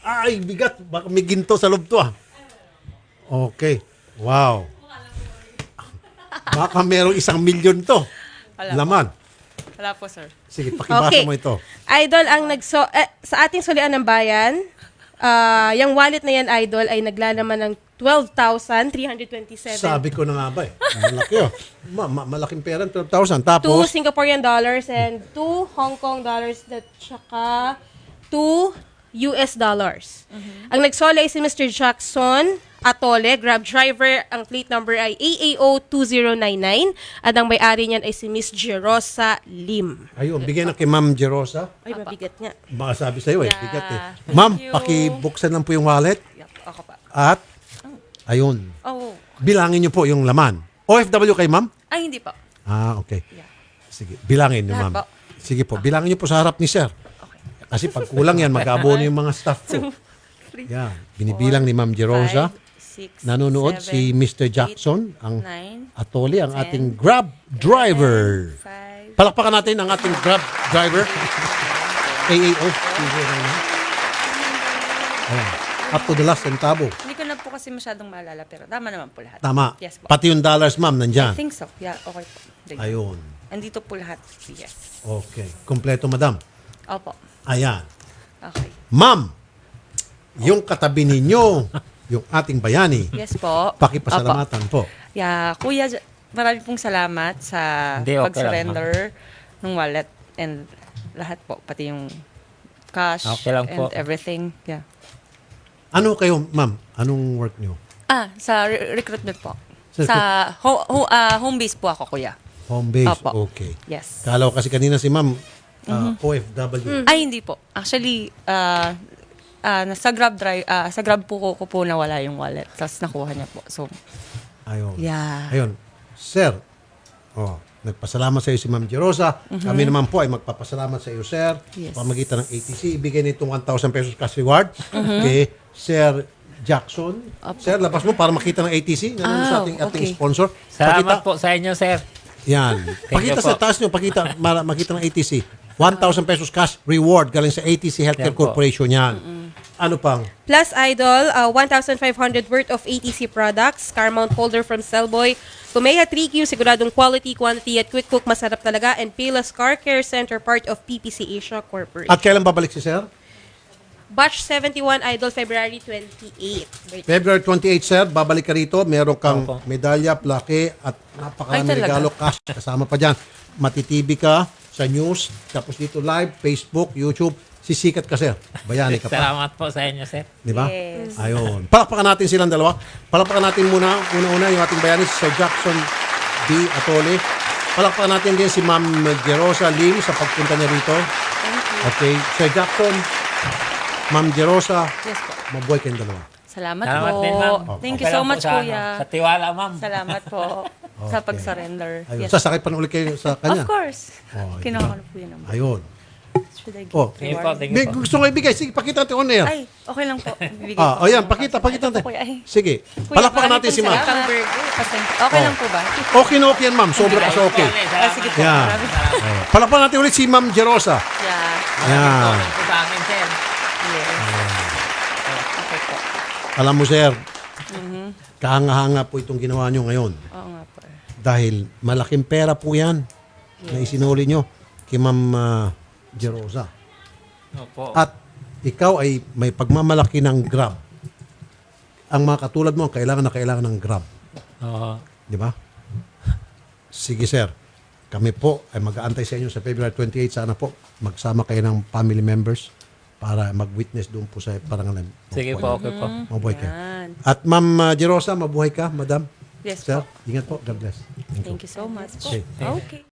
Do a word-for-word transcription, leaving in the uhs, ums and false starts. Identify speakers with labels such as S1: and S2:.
S1: Ay, bigat. Baka may ginto sa loob to ah. Okay. Wow. Baka merong isang milyon to.
S2: Wala
S1: Laman.
S2: Wala po, sir.
S1: Sige, pakibasa
S3: Okay.
S1: mo ito.
S3: Idol, ang nagso eh, sa ating sulian ng bayan, ah, yung wallet na yan, Idol, ay naglalaman ng twelve thousand three hundred twenty-seven.
S1: Sabi ko na nga ba eh. Malaki oh. Ma- ma- malaking pera, twelve thousand.
S3: Two
S1: Tapos,
S3: Singaporean dollars and two Hong Kong dollars at saka two U S dollars. Ang nagsole ay si Mister Jackson Atole, Grab driver. Ang plate number ay A A O two zero nine nine at ang may-ari niyan ay si Miss Jerosa Lim.
S1: ayun, bigyan na kay Ma'am Jerosa.
S3: Ay, mabigat nga.
S1: Baka sabi sa'yo eh,
S2: Yeah.
S1: bigat eh.
S2: Thank
S1: Ma'am,
S2: you.
S1: pakibuksan lang po yung wallet.
S2: Yep, ako pa.
S1: At, ayun,
S2: Oh,
S1: bilangin niyo po yung laman. O F W kay Ma'am?
S2: ay, hindi po.
S1: Ah, okay.
S2: Yeah.
S1: Sige, bilangin niyo,
S2: Lahat
S1: Ma'am.
S2: po.
S1: Sige po, bilangin niyo po sa harap ni Sir.
S2: Okay.
S1: Kasi pag kulang yan, mag-abono yung mga staff ko.
S2: Three,
S1: Yan, binibilang ni Ma'am Jerosa.
S2: five, six,
S1: Nanonood
S2: seven,
S1: si Mister
S2: eight,
S1: Jackson, ang
S2: nine,
S1: Atoli, ang
S2: ten,
S1: ating Grab driver.
S2: five,
S1: Palakpakan natin ang ating Grab driver. A A O. Ayan. Up to the last centavo.
S2: Hindi ko na po kasi masyadong maalala, pero tama naman po lahat.
S1: Tama.
S2: Yes po.
S1: Pati yung dollars, ma'am,
S2: I
S1: nandyan.
S2: think so. Yeah, okay po. Thank you.
S1: Ayun.
S2: Andito po lahat. Yes.
S1: Okay. Kompleto, madam.
S2: Opo.
S1: Ayan.
S2: Okay.
S1: Ma'am, yung katabi ninyo, yung ating bayani,
S2: Yes po.
S1: pakipasalamatan po.
S2: Opo. Yeah, Kuya, J- marami pong salamat sa
S4: Hindi, okay
S2: pag-surrender ng wallet and lahat po, pati yung cash
S4: Okay lang
S2: and
S4: po.
S2: everything. Yeah.
S1: Ano kayo, ma'am? Anong work nyo?
S2: Ah, sa re- recruitment po.
S1: Sa
S2: Sa ho- ho- ah, home base po ako, Kuya.
S1: Home base?
S2: Opo.
S1: Okay.
S2: Yes.
S1: Kala ko kasi kanina si ma'am,
S2: Mm-hmm.
S1: uh, O F W.
S2: Ay, hindi po. Actually, ah ah, nasa Grab drive, ah, sa Grab po ko, ko po nawala yung wallet. Tapos nakuha niya po. So,
S1: Ayun.
S2: yeah.
S1: Ayun. Sir, oh, nagpasalamat sa iyo si Ma'am Jerosa. Kami naman po ay magpapasalamat sa iyo, sir.
S2: Yes.
S1: Pamagitan ng A T C, ibigay nitong one thousand pesos cash reward kay Sir Jackson. Sir, labas mo para makita ng A T C. Nandun sa
S2: Ah,
S1: ating, ating
S2: okay.
S1: sponsor.
S4: Salamat
S1: Pakita,
S4: po sa inyo, sir.
S1: yan. Pakita
S4: you
S1: sa
S4: po.
S1: taas nyo, pakita, mara, makita ng A T C. one thousand pesos cash reward galing sa A T C Healthcare
S4: Yan po.
S1: Corporation yan. Ano pang?
S3: Plus, Idol, uh, one thousand five hundred worth of A T C products, car mount holder from Cellboy, Kumeha three Q, siguradong quality, quantity at quick cook, masarap talaga, and Payless Car Care Center, part of P P C Asia Corporation.
S1: At kailan babalik si Sir?
S3: Batch seventy-one, Idol, February twenty-eighth.
S1: February twenty-eighth, sir, babalik ka rito. Meron kang
S4: Opo.
S1: medalya, plaque, at napakaraming
S2: Ay, talaga?
S1: regalo, cash. Kasama pa dyan. Matitibi ka sa news, tapos dito live, Facebook, YouTube. Sisikat ka, sir. Bayani ka pa.
S4: Salamat po sa inyo, sir.
S1: Di ba?
S2: Yes.
S1: Ayun. Palakpakan natin silang dalawa. Palakpakan natin muna, una-una, yung ating bayani, si Sir Jackson B. Atole. Palakpakan natin din si Ma'am Jerosa Lim sa pagpunta niya rito.
S2: Thank you.
S1: Okay. Sir Jackson, Ma'am Jerosa,
S2: Yes po.
S1: mabuhay kayong dalawa.
S2: Salamat,
S4: Salamat
S2: po.
S4: din, ma'am.
S2: Thank
S4: Okay
S2: you so
S4: lang po
S2: much,
S4: sa,
S2: Kuya.
S4: ano, Sa tiwala, ma'am.
S2: Salamat po sa pag-surrender.
S1: Ayun.
S2: Yes.
S1: Sasakay pa na ulit kayo sa kanya.
S2: Of course.
S1: Oh,
S2: Kinuha ko na po yun naman.
S1: Ayun.
S2: Should I give
S1: Oh.
S4: Thank you po,
S2: reward?
S4: thank
S1: May
S4: you po.
S1: gusto ko ibigay. Sige, pakita natin on air.
S2: Ay, okay lang po. Bibigay
S1: Ah,
S2: ko
S1: oh yan,
S2: po.
S1: pakita, pakita
S2: Ito
S1: natin.
S2: po, Kuya. Ay,
S1: Sige.
S2: Kuya,
S1: Palakpakan
S2: marami
S1: natin si
S2: pong
S1: ma'am.
S2: salamat. Pasensya. Okay
S1: Oh.
S2: lang po ba?
S1: Okay na okay yan, ma'am. Sobra kasi okay.
S2: Ah, sige po.
S1: Yan.
S2: Marami.
S1: Oh. Palakpakan natin ulit si Ma'am Jerosa.
S2: Yeah.
S1: Yan.
S4: Ito sa akin, sir.
S2: Yes. Okay po.
S1: Alam mo, sir,
S2: Mm-hmm.
S1: kahanga-hanga po itong ginawa nyo ngayon.
S2: Oo nga po.
S1: Dahil malaking pera po yan na isinuli nyo kay Ma'am ah, Jerosa.
S4: Opo.
S1: At ikaw ay may pagmamalaki ng Grab. Ang mga katulad mo, kailangan na kailangan ng Grab.
S4: Oo.
S1: Di ba? Sige, sir. Kami po ay mag-aantay sa inyo sa February twenty-eighth. Sana po magsama kayo ng family members para mag-witness doon po sa parangalan.
S4: Sige po, okay po.
S1: Mabuhay kayo.
S2: Yan.
S1: At Ma'am uh, Jerosa, mabuhay ka, Madam.
S2: Yes
S1: Sir,
S2: po.
S1: ingat po. God bless. Thank you.
S2: Thank you so much po.
S1: Okay.
S2: Okay.